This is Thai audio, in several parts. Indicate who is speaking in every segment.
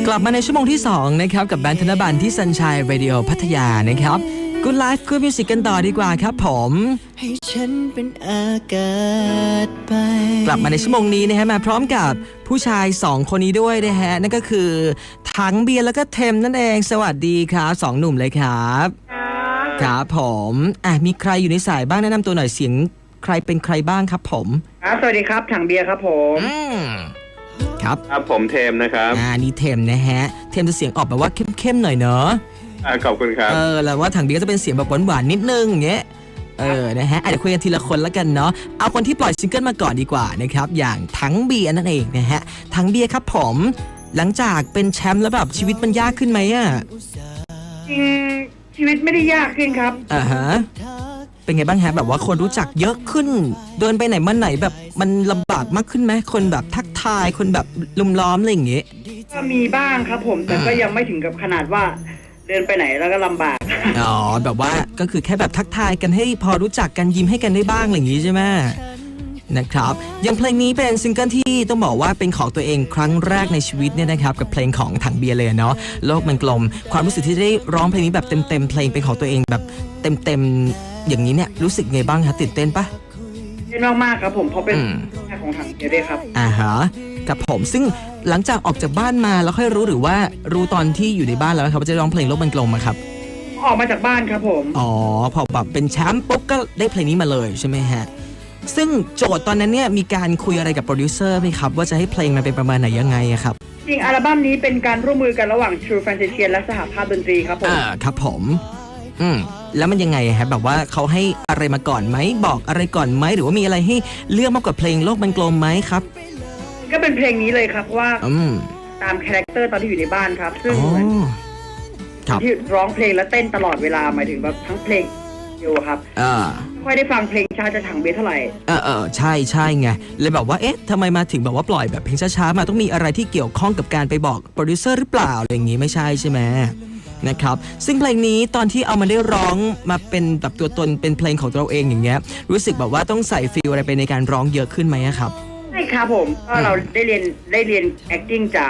Speaker 1: กลับมาในชั่วโมงที่2นะครับกับแบนด์ธนบัลที่ Sunshine Radio พัทยานะครับ Good Life Good Music กันต่อดีกว่าครับผมให้ฉันเป็นอากาศไปกลับมาในชั่วโมงนี้นะฮะมาพร้อมกับผู้ชาย2คนนี้ด้วยนะฮะนั่นก็คือถังเบียร์แล้วก็เทมนั่นเองสวัสดีครับ2หนุ่มเลยครับครับผมมีใครอยู่ในสายบ้างแนะนำตัวหน่อยเสียงใครเป็นใครบ้างครับผม
Speaker 2: สวัสดีครับถังเบียร์ครับผม
Speaker 1: ครับ
Speaker 3: ผมเทมนะครับ
Speaker 1: นี่เทมนะฮะเทมจะเสียงออกแบบว่าเข้มๆหน่อยเนอะ
Speaker 3: ขอบคุณครับ
Speaker 1: แล้วว่าถังเบียร์ก็จะเป็นเสียงแบบหวานๆนิดนึงอย่างเงี้ยนะฮะเดี๋ยวคุยกันทีละคนแล้วกันเนาะเอาคนที่ปล่อยซิงเกิลมาก่อนดีกว่านะครับอย่างถังเบียร์นั่นเองนะฮะถังเบียร์ครับผมหลังจากเป็นแชมป์แล้วแบบชีวิตมันยากขึ้นไหมอ่ะ
Speaker 2: ชีวิตไม่ได้ยากขึ้นครับ
Speaker 1: ฮะเป็นไงบ้างฮะแบบว่าคนรู้จักเยอะขึ้นเดินไปไหนมาไหนแบบมันลำบากมากขึ้นไหมคนแบบทักทายคนแบบลุมล้อมอะไรอย่างเงี้ย
Speaker 2: ก็มีบ้างครับผมแต่ก็ยังไม่ถึงกับขนาดว่าเดินไปไหนแล้วก็ลำบาก
Speaker 1: แบบว่าก็คือแค่แบบทักทายกันให้พอรู้จักกันยิ้มให้กันได้บ้างอะไรอย่างงี้ใช่ไหมนะครับอย่างเพลงนี้เป็นซิงเกิลที่ต้องบอกว่าเป็นของตัวเองครั้งแรกในชีวิตเนี่ยนะครับกับเพลงของถังเบียร์เลยเนาะโลกมันกลมความรู้สึกที่ได้ร้องเพลงนี้แบบเต็มเพลงเป็นของตัวเองแบบเต็มอย่างนี้เนี่ยรู้สึกไงบ้างคะตื่นเต้นปะ
Speaker 2: เต้นมากๆครับผมเพราะเป็นแค่ของถังเบียร์ด้วยครับ
Speaker 1: ฮะกับผมซึ่งหลังจากออกจากบ้านมาแล้วค่อยรู้หรือว่ารู้ตอนที่อยู่ในบ้านแล้วครับว่าจะร้องเพลงโลกมันกลมครับ
Speaker 2: ออกมาจากบ้านครับผม
Speaker 1: พอแบบเป็นแชมป์ปุ๊บก็ได้เพลงนี้มาเลยใช่ไหมฮะซึ่งโจทย์ตอนนั้นเนี่ยมีการคุยอะไรกับโปรดิวเซอร์ไหมครับว่าจะให้เพลงมันเป็นประมาณไหนยังไงครับ
Speaker 2: จริงอัลบั้มนี้เป็นการร่วมมือกันระหว่าง True Fantasy และสหภาพดนตรีครับผม
Speaker 1: ครับผมแล้วมันยังไงครับแบบว่าเขาให้อะไรมาก่อนไหมบอกอะไรก่อนไหมหรือว่ามีอะไรให้เลือกมากกว่าเพลงโลกมันกลมไหมครับ
Speaker 2: ก็เป็นเพลงนี้เลยครับว่าตามคาแรคเตอร์ตอนที่อยู่ในบ้านครับซึ่งที่ร้องเพลงและเต้นตลอดเวลาหมายถึงแบบทั้งเพลงอยู่ครับค่อยได้ฟังเพลงช้าจะถังเบียร์เท่าไหร่
Speaker 1: ใช่ไงเลยแบบว่าเอ๊ะทำไมมาถึงแบบว่าปล่อยแบบเพลงช้าๆมาต้องมีอะไรที่เกี่ยวข้องกับการไปบอกโปรดิวเซอร์หรือเปล่าอะไรอย่างงี้ไม่ใช่ใช่ไหมนะครับซึ่งเพลงนี้ตอนที่เอามาได้ร้องมาเป็นแบบตัวตนเป็นเพลงของตัวเราเองอย่างเงี้ยรู้สึกแบบว่าต้องใส่ฟีลอะไรไปในการร้องเยอะขึ้นไหมครับ
Speaker 2: ใช่ครับผมก็เราได้เรียน acting จาก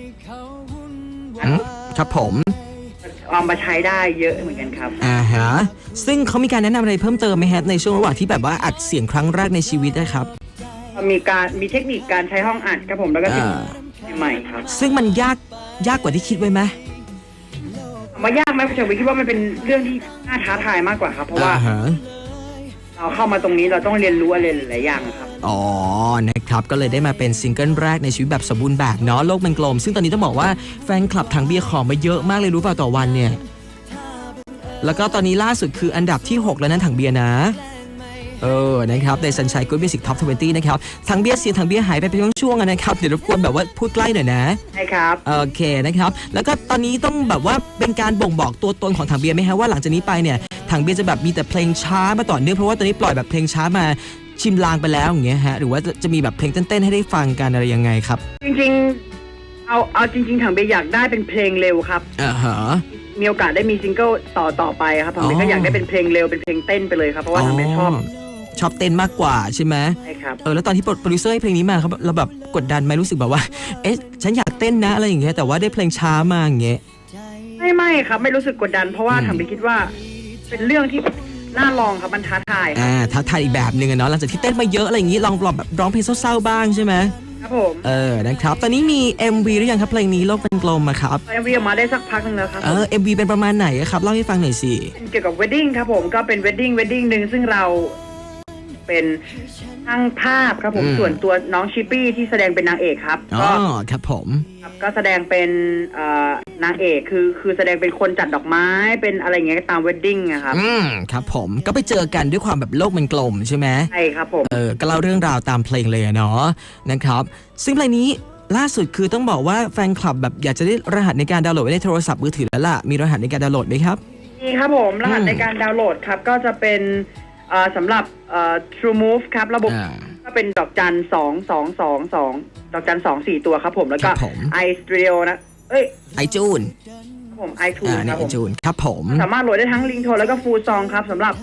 Speaker 1: ครับผม
Speaker 2: เอามาใช้ได้เยอะเหมือนกันครับ
Speaker 1: ฮะซึ่งเขามีการแนะนำอะไรเพิ่มเติมไหมฮะในช่วงระหว่างที่แบบว่าอัดเสียงครั้งแรกในชีวิตนะครับ
Speaker 2: มีเทคนิคการใช้ห้องอัดครับผมแล้วก็ใหม่ครับ
Speaker 1: ซึ่งมันยากกว่าที่คิดไว้ไหม
Speaker 2: มันยากไหมผมคิดว่ามันเป็นเรื่องที่น่าท้าทายมากกว่าครับเพราะว่าเราเข้ามาตรงนี้เราต้องเรียนรู้อะไรหลายอย่างครับ
Speaker 1: นะครับก็เลยได้มาเป็นซิงเกิลแรกในชีวิตแบบสมบูรณ์แบบเนาะโลกมันกลมซึ่งตอนนี้ต้องบอกว่าแฟนคลับถังเบียร์ขอมาเยอะมากเลยรู้เปล่าต่อวันเนี่ยแล้วก็ตอนนี้ล่าสุดคืออันดับที่6แล้วนั้นถังเบียร์นะนะครับใน Sunshine Good Music Top 20นะครับถังเบียร์เสียงถังเบียร์หายไปเป็นช่วงๆนะครับเดี๋ยวรบกวนแบบว่าพูดใกล้หน่อยนะ
Speaker 2: ใช่ครับ
Speaker 1: โอเคนะครับแล้วก็ตอนนี้ต้องแบบว่าเป็นการบ่งบอกตัวตนของถังเบียร์ไหมฮะว่าหลังจากนี้ไปเนี่ยถังเบียร์จะแบบมีแต่เพลงช้ามาต่อเนื่องเพราะว่าตอนนี้ปล่อยแบบเพลงช้ามาชิมลางไปแล้วอย่างเงี้ยฮะหรือว่าจะมีแบบเพลงเต้นๆให้ได้ฟังกันอะไรยังไงครับ
Speaker 2: จริงๆเอาจริงๆถังเบียร์อยากได้เป็นเพลงเร็วครับมีโอกาสได้มีซิงเกิลต่อไปครับถังเบียร์ก็อยากได้เป็นเพลงเร็วเป็นเพลงเต้นไปเลยครับเพราะว่าถังเบียร์
Speaker 1: ชอบเต้นมากกว่าใช่ไหม
Speaker 2: ใช่ครับ
Speaker 1: แล้วตอนที่โปรดิวเซอร์ให้เพลงนี้มาครับเราแบบกดดันไหมรู้สึกแบบว่าเอ๊ะฉันอยากเต้นนะอะไรอย่างเงี้ยแต่ว่าได้เพลงช้ามาอย่างเงี้ย
Speaker 2: ไม่ครับไม่รู้สึกกดดันเพราะว่าถังเบียร์คิดว่าเป็นเรื่องที่น่าลองครับมันท้าทาย
Speaker 1: ท้าทายอีกแบบนึงเนาะหลังจากที่เต้นมาเยอะอะไรอย่างงี้ลองแบบร้องเพลงเศร้าๆบ้างใช่ไหม
Speaker 2: ครับผม
Speaker 1: นะครับตอนนี้มี MV หรือยังครับเพลงนี้โลกเป็นกลมครับ
Speaker 2: MV ออกมาได้สักพักนึงแล้วครับ
Speaker 1: MV เป็นประมาณไหนครับเล่าให้ฟังหน่อยสิ
Speaker 2: เกี่ยวกับ wedding ครับผมก็เป็น wedding นึงซึ่งเราเป็นช่างภาพครับผมส่วนตัวน้องชิปปี้ที่แสดงเป็นนางเอกครับ
Speaker 1: ก็ครับผม
Speaker 2: ก็แสดงเป็นนางเอกคือแสดงเป็นคนจัดดอกไม้เป็นอะไรเงี้ยตามเวดดิ้งนะครับ
Speaker 1: ครับผมก็ไปเจอกันด้วยความแบบโลกมันกลมใช่ไหม
Speaker 2: ใช่ครับผม
Speaker 1: ก็เล่าเรื่องราวตามเพลงเลยเนาะนะครับซึ่งเพลงนี้ล่าสุดคือต้องบอกว่าแฟนคลับแบบอยากจะได้รหัสในการดาวน์โหลดไว้ในโทรศัพท์มือถือแล้วล่ะมีรหัสในการดาวน์โหลดไหมครับ
Speaker 2: มีครับผมรหัสในการดาวน์โหลดครับก็จะเป็นสำหรับTrue Move ครับระบบก็เป็นดอกจัน2 ดอกจัน2 4ตัวครับผมแล้วก็ iStrio นะ
Speaker 1: iTunes
Speaker 2: ผม iTunes ครับผม
Speaker 1: ครับผม
Speaker 2: สามารถโหลดได้ทั้งลิงโทนแล้วก็ฟูลซองครับสำหรับ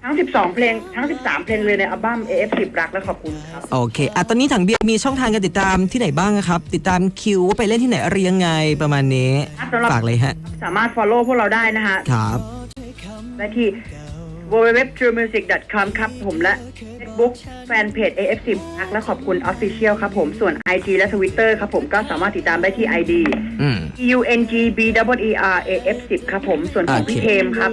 Speaker 2: ทั้ง12เพลงทั้ง13เพลงเลยในอัลบั้ม AF10 รักและขอบคุณครับ
Speaker 1: โอเคตอนนี้ถังเบียร์มีช่องทางการติดตามที่ไหนบ้างครับติดตามคิวว่าไปเล่นที่ไหนอะไรยังไงประมาณนี้ฝากเลยฮะ
Speaker 2: สามารถ follow พวกเราได้นะฮะ
Speaker 1: ครับ
Speaker 2: ได้ที่ www.truemusic.com ครับผมและ Facebook Fanpage AF10 รักและขอบคุณ Official ครับผมส่วน IG และ Twitter ครับผมก็สามารถติดตามได้ที่ ID UNGBEER AF10 ครับผมส่วนของพี่เทมครับ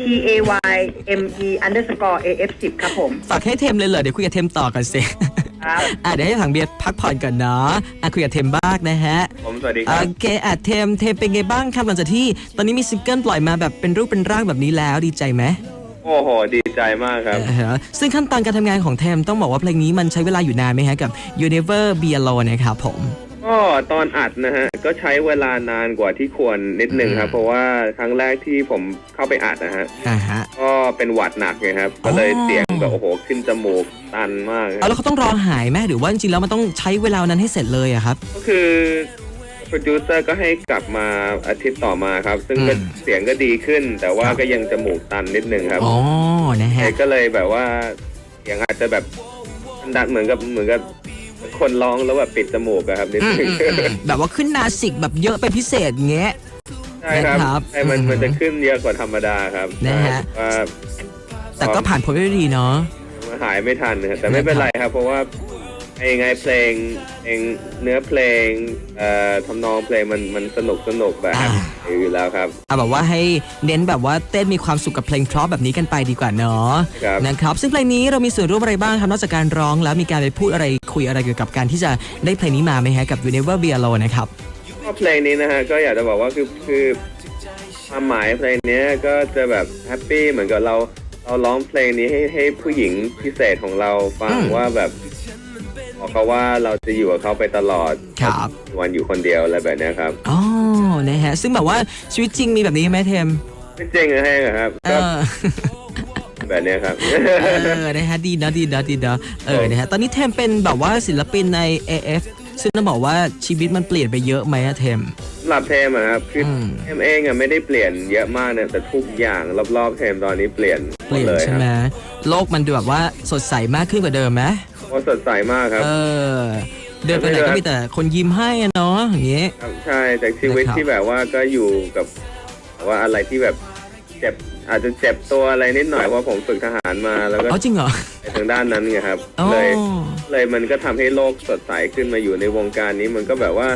Speaker 2: TAYME_AF10 ครับผม
Speaker 1: ฝากให้เทมเลยเหรอเดี๋ยวคุยกับเทมต่อกันสิเดี๋ยวให้ถังเบียร์พักผ่อนก่อนเนาะคุยกับเทมบ้างนะฮะ
Speaker 3: ผมสวัสดีครับ
Speaker 1: โอเคเทมเป็นไงบ้างครับหลังจากที่ตอนนี้มีซิงเกิลปล่อยมาแบบเป็นรูปเป็นร่างแบบนี้แล้วดีใจไหม
Speaker 3: โอ้โหดีใจมากครับ
Speaker 1: ซึ่งขั้นตอนการทำงานของเทมต้องบอกว่าเพลงนี้มันใช้เวลาอยู่นานไหมฮะกับ You Never Be Alone นะครับผม
Speaker 3: ก็ตอนอัดนะฮะก็ใช้เวลานานกว่าที่ควรนิดนึงครับเพราะว่าครั้งแรกที่ผมเข้าไปอัดนะฮะก็เป็นหวัดหนักไงครับก็เลยเสียงแบบโอ้โหขึ้นจมูกตันมาก
Speaker 1: แล้วเขาต้องรอหายไหมหรือว่าจริงๆแล้วมันต้องใช้เวลานั้นให้เสร็จเลยอะครับ
Speaker 3: ก็คือโปรดิวเซอร์ก็ให้กลับมาอาทิตย์ต่อมาครับซึ่งเสียงก็ดีขึ้นแต่ว่าก็ยังจมูกตันนิดนึงครับ
Speaker 1: อ๋อนะฮะ
Speaker 3: ก็เลยแบบว่าเสียงอาจจะแบบดังเหมือนกับคนร้องแล้วแบบปิดจมูกครับนิดนึง
Speaker 1: แบบว่าขึ้นนาสิกแบบเยอะเป็นพิเศษเงี้ย
Speaker 3: ใช่ครับใช่มันจะขึ้นเยอะกว่าธรรมดาครับ
Speaker 1: นะฮะแต่ก็ผ่านพ้นไปได้ดีเนาะ
Speaker 3: หายไม่ทันแต่ไม่เป็นไรครับเพราะว่าไงเพลงเนื้อเพลงทำนองเพลงมันสนุกแบบอยู่แล้วครับ
Speaker 1: แบบว่าให้เน้นแบบว่าเต้นมีความสุขกับเพลงเพราะแบบนี้กันไปดีกว่าเนาะนะครับซึ่งเพลงนี้เรามีส่วนร่วมอะไรบ้างครับนอกจากการร้องแล้วมีการไปพูดอะไรคุยอะไรเกี่ยวกับการที่จะได้เพลงนี้มาไหมฮะกับ You Never Be Alone นะครับ
Speaker 3: ก็เพลงนี้นะฮะก็อยากจะบอกว่าคือความหมายเพลงนี้ก็จะแบบแฮปปี้เหมือนกับเราร้องเพลงนี้ให้ผู้หญิงพิเศษของเราฟังว่าแบบบอกเขาว่าเราจะอยู่กับเขาไปตลอดวันอยู่คนเดียวอะไรแบบนี้ครับ
Speaker 1: อ๋อนะฮะซึ่งแบบว่าชีวิตจริงมีแบบนี้ไหมเทม
Speaker 3: ไม่จริงครับแบบนี้ครับ
Speaker 1: นะฮะดีนะนะฮะตอนนี้เทมเป็นแบบว่าศิลปินใน AF ซึ่งต้องบอกว่าชีวิตมันเปลี่ยนไปเยอะไหมเทม
Speaker 3: สำหรับเทมครับคือเทมเองไม่ได้เปลี่ยนเยอะมากเนี่ยแต่ทุกอย่างรอบๆเทมตอนนี้เปลี่ยน
Speaker 1: เลยใช่ไหมโลกมันดูแบบว่าสดใสมากขึ้นกว่าเดิมไหม
Speaker 3: สดใสมากครับ
Speaker 1: เดินไปไหนก็มีแต่คนยิ้มให้เนาะอย่างเงี้ย
Speaker 3: ใช่จากชีวิตที่แบบว่าก็อยู่กับว่าอะไรที่แบบเจ็บอาจจะเจ็บตัวอะไรนิดหน่อยเพราะผมฝึกทหารมาแล้วก็
Speaker 1: จริงเหรอ
Speaker 3: ในทางด้านนั้นไงครับเลยมันก็ทำให้โลกสดใสขึ้นมาอยู่ในวงการนี้มันก็แบบว่า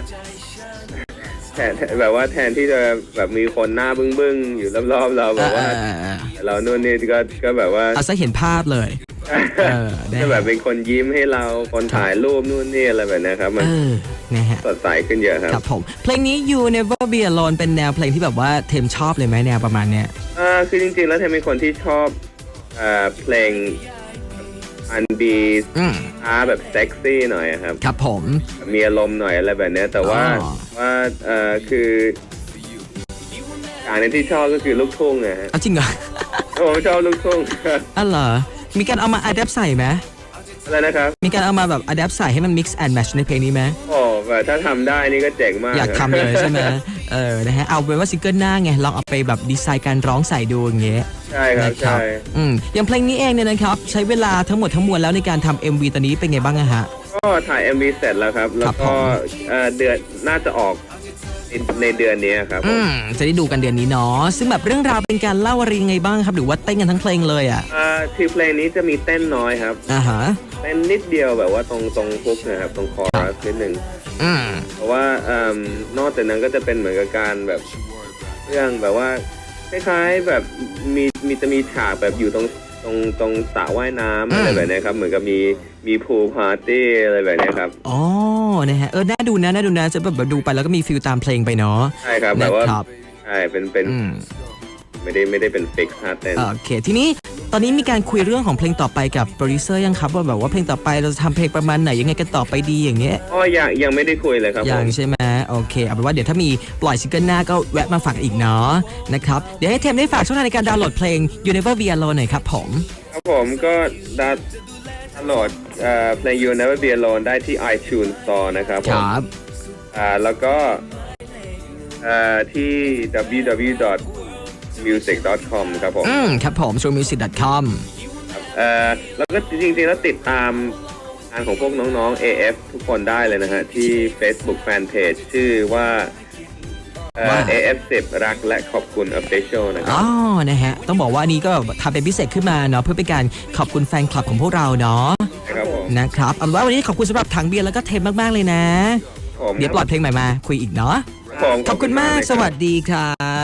Speaker 3: แทนที่จะแบบมีคนหน้าบึ้งๆอยู่รอบๆเราแบบว่าเราโน่นนี่ก็แบบว่า
Speaker 1: เอาซะเห็นภาพเลย
Speaker 3: ก็แบบเป็นคนยิ้มให้เราคนถ่ายรูปนู่นนี่อะไรแบบนี้ครับมันสดใสขึ้นเยอะ
Speaker 1: ครับผมเพลงนี้ You Never Be Alone เป็นแนวเพลงที่แบบว่าเทมชอบเลยไหมแนวประมาณเนี้ย
Speaker 3: คือจริงๆแล้วเทมเป็นคนที่ชอบเพลงอันบีแบบเซ็กซี่หน่อยครับ
Speaker 1: ครับผม
Speaker 3: มีอารมณ์หน่อยอะไรแบบนี้แต่ว่าคือการที่ชอบก็คือลูกทุ่งไงฮะ
Speaker 1: จริงเหรอ
Speaker 3: ผมชอบลูกทุ่ง
Speaker 1: เหรอมีการเอามาอัดแอปใส่ไหม
Speaker 3: อะไรนะครับ
Speaker 1: มีการเอามาแบบอัดแอปใส่ให้มัน mix and match ในเพลงนี้ไหม
Speaker 3: โอ้แบบถ้าทำได้นี่ก็เจ๋งมาก
Speaker 1: อยากทำเลยใช่ไหมนะฮะเอาเป็นว่าซิงเกิลหน้าไงลองเอาไปแบบดีไซน์การร้องใส่ดูอย่างเงี้ย
Speaker 3: ใช่ครับใช่
Speaker 1: อย่างเพลงนี้เองเนี่ยนะครับใช้เวลาทั้งหมดทั้งมวลแล้วในการทำ MV ตอนนี้เป็นไงบ้างฮะ
Speaker 3: ก็ถ่าย MV เสร็จแล้วครับแล้วก็เดือนน่าจะออกในเดือนนี้ครับ
Speaker 1: จะได้ดูกันเดือนนี้เนาะซึ่งแบบเรื่องราวเป็นการเล่าอะไรยังไงบ้างครับหรือว่าเต้นกันทั้งเพลงเลย
Speaker 3: คือเพลงนี้จะมีเต้นน้อยครับเต้นนิดเดียวแบบว่าตรงฮุกนะครับตรงคอรัสนิดนึงเพราะว่านอกจากนั้นก็จะเป็นเหมือนกับการแบบเรื่องแบบว่าคล้ายๆแบบจะมีฉากแบบอยู่ตรงสระว่ายน้ำอะไรแบบนี้ครับเหมือนกับมีพูลพาร์ตี้อะไรแบบนี้ครับ
Speaker 1: อ๋อนะฮะน่าดูนะจะแบบดูไปแล้วก็มีฟิลตามเพลงไปเนาะ
Speaker 3: ใช่ครับแบบว่าใช่เป็นไม่ได้เป็นฟิกซ์ท่าเต้น
Speaker 1: โอเคทีนี้ตอนนี้มีการคุยเรื่องของเพลงต่อไปกับโปรดิวเซอร์ยังครับว่าแบบว่าเพลงต่อไปเราจะทำเพลงประมาณไหนยังไงกันต่อไปดีอย่างเงี้ย
Speaker 3: ยังไม่ได้คุยเลยครับ
Speaker 1: ยังใช่ไหมโอเคเอาเป็นว่าเดี๋ยวถ้ามีปล่อยซิงเกิลหน้าก็แวะมาฝากอีกเนาะนะครับเดี๋ยวให้เทมได้ฝากช่องทางในการดาวน์โหลดเพลง You Never Be Alone หน่อยครับผม
Speaker 3: ก็ดาวน์โหลดเพลง You Never Be Alone ได้ที่ iTunes Store นะครับ
Speaker 1: ครับ
Speaker 3: แล้วก็ที่ www.music.com ครับผม
Speaker 1: ครับผม truemusic.com
Speaker 3: แล้วก็จริงๆแล้วติดตามงานของพวกน้องๆ AF ทุกคนได้เลยนะฮะที่ Facebook Fanpage ชื่อว่าAF10 รักและขอบคุณ Official นะครับ
Speaker 1: อ๋อนะฮะต้องบอกว่านี้ก็ทำเป็นพิเศษขึ้นมาเนาะเพื่อเป็นการขอบคุณแฟนคลับของพวกเราเนาะ
Speaker 3: ครับผม
Speaker 1: นะครับเอาว่าวันนี้ขอบคุณสำหรับถังเบียร์แล้วก็เทมมากๆเลยนะเดี๋ยวปล่อยเพลงใหม่มาคุยอีกเนาะขอบคุณมากสวัสดีครับ